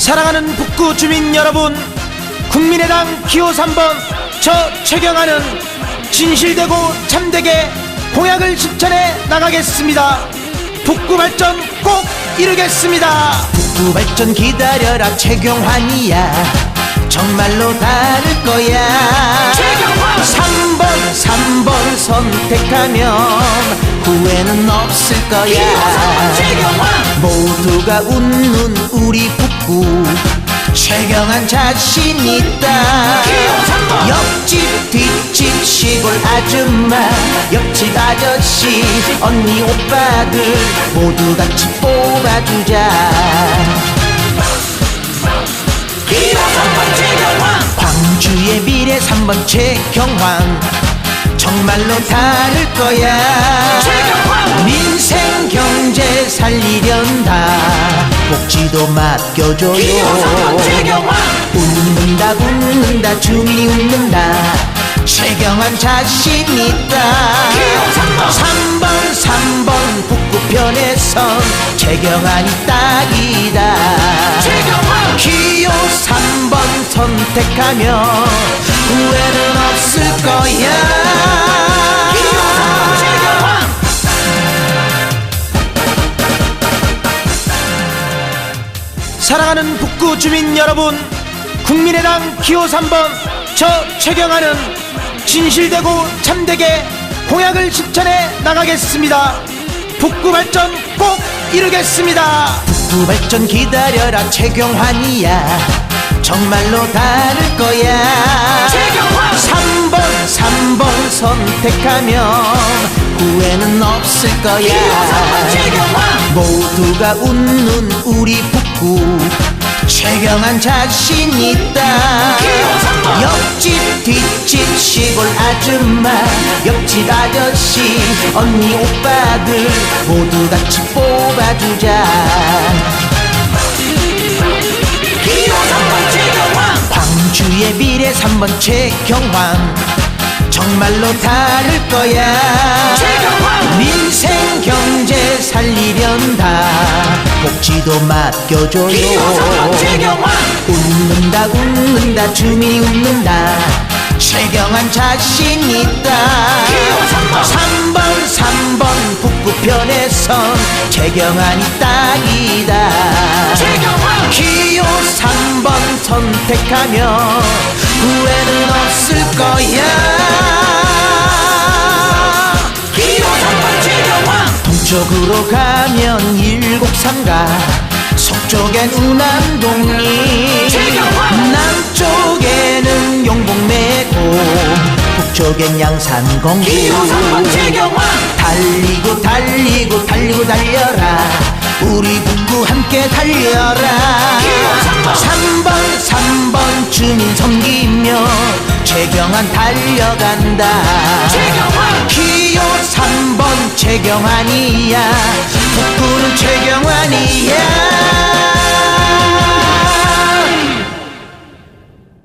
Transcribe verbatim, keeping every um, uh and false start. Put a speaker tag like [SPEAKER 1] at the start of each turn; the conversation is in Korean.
[SPEAKER 1] 사랑하는 북구 주민 여러분, 국민의당 기호 삼 번 저 최경환은 진실되고 참되게 공약을 실천해 나가겠습니다. 북구 발전 꼭 이루겠습니다. 북구 발전 기다려라, 최경환이야. 정말로 다를 거야.
[SPEAKER 2] 최경환!
[SPEAKER 1] 삼 번 삼 번 선택하면 후회는 없을 거야.
[SPEAKER 2] 최경환!
[SPEAKER 1] 모두가 웃는 우리 북구, 최경환 자신 있다.
[SPEAKER 2] 기호 삼 번!
[SPEAKER 1] 옆집 뒷집 시골 아줌마, 옆집 아저씨, 언니 오빠들 모두 같이 뽑아주자.
[SPEAKER 2] 기호 삼 번 최경환!
[SPEAKER 1] 광주의 미래 삼 번 최경환, 정말로 다를 거야.
[SPEAKER 2] 최경환!
[SPEAKER 1] 민생 경제 살리련다, 복지도 맡겨줘요.
[SPEAKER 2] 기호 삼 번 최경환!
[SPEAKER 1] 웃는다 웃는다 주민이 웃는다, 최경환 자신 있다.
[SPEAKER 2] 기호 삼 번!
[SPEAKER 1] 삼 번 삼 번 북구편에선 최경환이 딱이다.
[SPEAKER 2] 최경환!
[SPEAKER 1] 기호 삼 번 선택하면 후회는 없을 거야.
[SPEAKER 2] 기호 삼 번 최경환!
[SPEAKER 1] 사랑하는 북구 주민 여러분, 국민의당 기호 삼 번 저 최경환은 진실되고 참되게 공약을 실천해 나가겠습니다. 북구 발전 꼭 이루겠습니다. 북구 발전 기다려라, 최경환이야. 정말로 다를 거야.
[SPEAKER 2] 최경환!
[SPEAKER 1] 삼 번 삼 번 선택하면 후회는 없을 거야.
[SPEAKER 2] 기호 삼 번 최경환!
[SPEAKER 1] 모두가 웃는 우리 북구, 최경환 자신 있다.
[SPEAKER 2] 기호 삼 번!
[SPEAKER 1] 옆집 뒷집 시골 아줌마, 옆집 아저씨, 언니 오빠들 모두 같이 뽑아주자.
[SPEAKER 2] 기호 삼 번 최경환!
[SPEAKER 1] 광주의 미래 삼 번 최경환, 정말로 다를 거야.
[SPEAKER 2] 최경환!
[SPEAKER 1] 민생 경제 살리련다, 복지도 맡겨줘요.
[SPEAKER 2] 기호 삼 번 최경환!
[SPEAKER 1] 웃는다 웃는다 주민이 웃는다, 최경환 자신 있다.
[SPEAKER 2] 기호 삼 번!
[SPEAKER 1] 삼 번 삼 번 북구편에선 최경환이 딱이다.
[SPEAKER 2] 최경환!
[SPEAKER 1] 기호 삼 번 선택하면 후회는 없을 거야.
[SPEAKER 2] 기호 삼 번 최경환!
[SPEAKER 1] 동쪽으로 가면 일곡삼가, 서쪽엔 우남동이,
[SPEAKER 2] 최경환!
[SPEAKER 1] 남쪽에는 용복매고, 북쪽엔 양산공구.
[SPEAKER 2] 기호 삼 번 최경환!
[SPEAKER 1] 달리고 달리고 달리고 달려라, 우리 북구 함께 달려라.
[SPEAKER 2] 기호 삼 번!
[SPEAKER 1] 삼 번 삼 번 주민 섬기며 최경환 달려간다.
[SPEAKER 2] 최경환!
[SPEAKER 1] 기호 삼 번 최경환이야, 북구는 최경환이야.